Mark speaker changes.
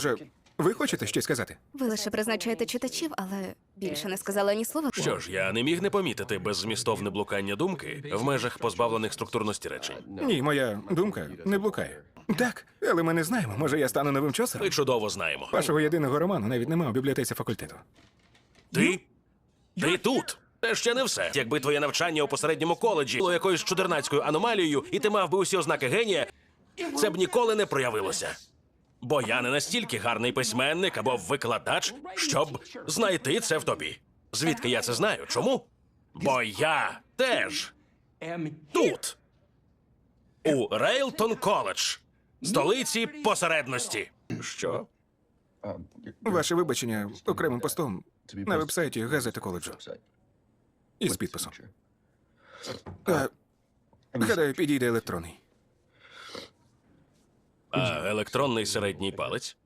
Speaker 1: Ви хочете щось сказати?
Speaker 2: Ви лише призначаєте читачів, але більше не сказали ні слова.
Speaker 3: Що ж, я не міг не помітити беззмістовне блукання думки в межах позбавлених структурності речень.
Speaker 1: Ні, моя думка не блукає. Так, але ми не знаємо. Може, я стану новим чосером?
Speaker 3: Ми чудово знаємо.
Speaker 1: Вашого єдиного роману навіть немає у бібліотеці факультету.
Speaker 3: Ти тут. Це ще не все. Якби твоє навчання у посередньому коледжі було якоюсь чудернацькою аномалією, і ти мав би усі ознаки генія, це б ніколи не проявилося. Бо я не настільки гарний письменник або викладач, щоб знайти це в тобі. Звідки я це знаю? Чому? Бо я теж тут. У Рейлтон Коледж, столиці посередності. Що?
Speaker 1: Ваше вибачення окремим постом на вебсайті газети коледжу. Із підписом. Гадаю, підійде електронний.
Speaker 3: А електронний середній палець?